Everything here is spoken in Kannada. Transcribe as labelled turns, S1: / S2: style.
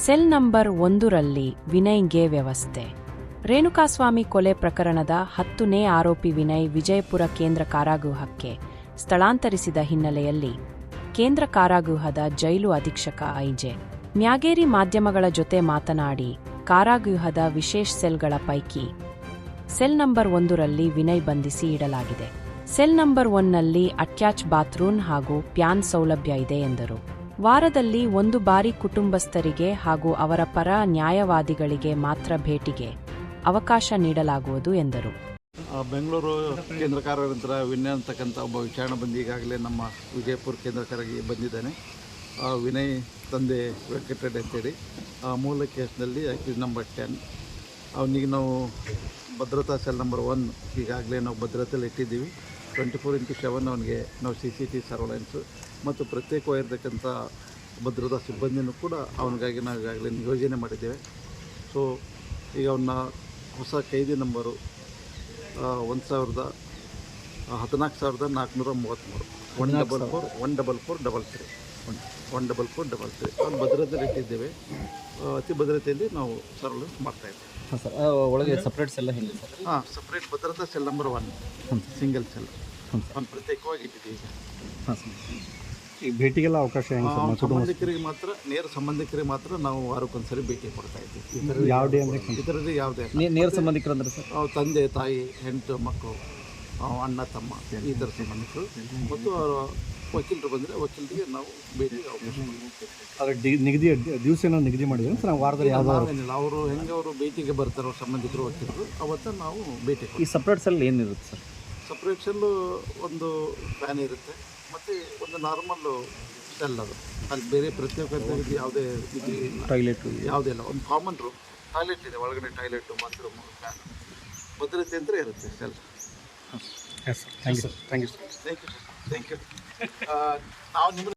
S1: ಸೆಲ್ ನಂಬರ್ 1ರಲ್ಲಿ ವಿನಯ್ಗೆ ವ್ಯವಸ್ಥೆ. ರೇಣುಕಾಸ್ವಾಮಿ ಕೊಲೆ ಪ್ರಕರಣದ 10ನೇ ಆರೋಪಿ ವಿನಯ್ ವಿಜಯಪುರ ಕೇಂದ್ರ ಕಾರಾಗೃಹಕ್ಕೆ ಸ್ಥಳಾಂತರಿಸಿದ ಹಿನ್ನೆಲೆಯಲ್ಲಿ ಕೇಂದ್ರ ಕಾರಾಗೃಹದ ಜೈಲು ಅಧೀಕ್ಷಕ ಐಜೆ ಮ್ಯಾಗೇರಿ ಮಾಧ್ಯಮಗಳ ಜೊತೆ ಮಾತನಾಡಿ, ಕಾರಾಗೃಹದ ವಿಶೇಷ ಸೆಲ್ಗಳ ಪೈಕಿ ಸೆಲ್ ನಂಬರ್ 1ರಲ್ಲಿ ವಿನಯ್ ಬಂಧಿಸಿ ಇಡಲಾಗಿದೆ. ಸೆಲ್ ನಂಬರ್ 1ನಲ್ಲಿ ಅಟ್ಯಾಚ್ ಬಾತ್ರೂಮ್ ಹಾಗೂ ಪ್ಯಾನ್ ಸೌಲಭ್ಯ ಇದೆ ಎಂದರು. ವಾರದಲ್ಲಿ 1 ಬಾರಿ ಕುಟುಂಬಸ್ಥರಿಗೆ ಹಾಗೂ ಅವರ ಪರ ನ್ಯಾಯವಾದಿಗಳಿಗೆ ಮಾತ್ರ ಭೇಟಿಗೆ ಅವಕಾಶ ನೀಡಲಾಗುವುದು ಎಂದರು.
S2: ಬೆಂಗಳೂರು ಕೇಂದ್ರ ಕಾರಾಗೃಹದ ವಿನಯ್ ಅಂತಕ್ಕಂಥ ಒಬ್ಬ ವಿಚಾರಣೆ ಬಂದು ಈಗಾಗಲೇ ನಮ್ಮ ವಿಜಯಪುರ ಕೇಂದ್ರ ಕಾರಾಗೃಹಕ್ಕೆ ಬಂದಿದ್ದಾನೆ. ವಿನಯ್ ತಂದೆ ವೆಂಕಟರೆಡ್ಡಿ ಅಂತೇಳಿ ಮೂಲ ಕೇಸ್ನಲ್ಲಿ ಅಕ್ಯೂಸ್ ನಂಬರ್ 10. ಅವನಿಗೆ ನಾವು ಭದ್ರತಾ ಸೆಲ್ ನಂಬರ್ 1 ಈಗಾಗಲೇ ನಾವು ಭದ್ರತೆಯಲ್ಲಿ ಇಟ್ಟಿದ್ದೀವಿ. 24/7 ಅವನಿಗೆ ನಾವು CCTV ಸರ್ವಲೆನ್ಸು ಮತ್ತು ಪ್ರತ್ಯೇಕವಾಗಿರ್ತಕ್ಕಂಥ ಭದ್ರತಾ ಸಿಬ್ಬಂದಿನೂ ಕೂಡ ಅವನಿಗಾಗಿ ನಾವು ಈಗಾಗಲೇ ನಿಯೋಜನೆ ಮಾಡಿದ್ದೇವೆ. ಸೊ ಈಗ ಅವನ್ನ ಹೊಸ ಕೈದಿ ನಂಬರು 14,433 14433 ಅವ್ನು ಭದ್ರತೆಯಲ್ಲಿ ಇಟ್ಟಿದ್ದೇವೆ. ಅತಿ ಭದ್ರತೆಯಲ್ಲಿ ನಾವು ಸರ್ವಲೆನ್ಸ್ ಮಾಡ್ತಾಯಿದ್ದೇವೆ.
S3: ಹಾಂ ಸರ್, ಒಳಗೆ ಸಪ್ರೇಟ್ ಸೆಲ್ಲ ಹೇಗೆ ಸರ್?
S2: ಹಾಂ, ಸಪ್ರೇಟ್ ಭದ್ರತಾ ಸೆಲ್ ನಂಬರ್ 1 ಸಿಂಗಲ್ ಸೆಲ್ ಅವ್ನು ಪ್ರತ್ಯೇಕವಾಗಿ ಇಟ್ಟಿದ್ದೀವಿ ಈಗ.
S3: ಹಾಂ ಸರ್, ಈಗ ಭೇಟಿಗೆಲ್ಲ ಅವಕಾಶ ಹೆಂಗೆ ಸರ್?
S2: ಸಂಬಂಧಿಕರಿಗೆ ಮಾತ್ರ, ನೇರ ಸಂಬಂಧಿಕರಿಗೆ ಮಾತ್ರ ನಾವು ವಾರಕ್ಕೊಂದ್ಸರಿ ಭೇಟಿ ಕೊಡ್ತಾ ಇದ್ದೀವಿ.
S3: ಯಾವುದೇ ಅಂದರೆ
S2: ಇದರಲ್ಲಿ ಯಾವುದೇ
S3: ನೇರ ಸಂಬಂಧಿಕರು ಅಂದ್ರೆ ಸರ್?
S2: ತಂದೆ ತಾಯಿ, ಹೆಂಡತಿ ಮಕ್ಕಳು, ಅಣ್ಣ ತಮ್ಮ, ಈ ಥರ ಸಂಬಂಧಿಕರು ಮತ್ತು ಅವರ ವಕೀಲರು ಬಂದರೆ ವಕೀಲರಿಗೆ ನಾವು ಭೇಟಿಗೆ ಅವಕಾಶ
S3: ಅದರ ನಿಗದಿ ದಿವಸ ಏನೋ ನಿಗದಿ ಮಾಡಿದ್ರೆ ಸರ್ ವಾರದಲ್ಲಿ
S2: ನಾವೇನಿಲ್ಲ, ಅವರು ಹೆಂಗೆ ಅವರು ಭೇಟಿಗೆ ಬರ್ತಾರೋ ಸಂಬಂಧಿಕರು ವಕೀಲರು ಅವತ್ತು ನಾವು ಭೇಟಿ.
S3: ಈ ಸಪ್ರೇಟ್ ಸೆಲ್ ಏನಿರುತ್ತೆ ಸರ್?
S2: ಸಪ್ರೇಟ್ ಸೆಲ್ಲು ಒಂದು ಫ್ಯಾನ್ ಇರುತ್ತೆ ಮತ್ತು ಒಂದು ನಾರ್ಮಲ್ಲು ಸೆಲ್, ಅದು ಅಲ್ಲಿ ಬೇರೆ ಪ್ರತ್ಯೇಕತೆ ಯಾವುದೇ ಇದು
S3: ಟಾಯ್ಲೆಟ್
S2: ಯಾವುದೇ ಇಲ್ಲ. ಒಂದು ಕಾಮನ್ ರೂಮ್, ಟಾಯ್ಲೆಟ್ ಇದೆ ಒಳಗಡೆ, ಟಾಯ್ಲೆಟು ಬಾತ್ರೂಮು ಫ್ಯಾನ್ ಭದ್ರತೆ ಅಂತ ಇರುತ್ತೆ cell.
S3: Yes sir, thank you sir.
S2: Thank you ನಾವು ನಿಮ್ಮ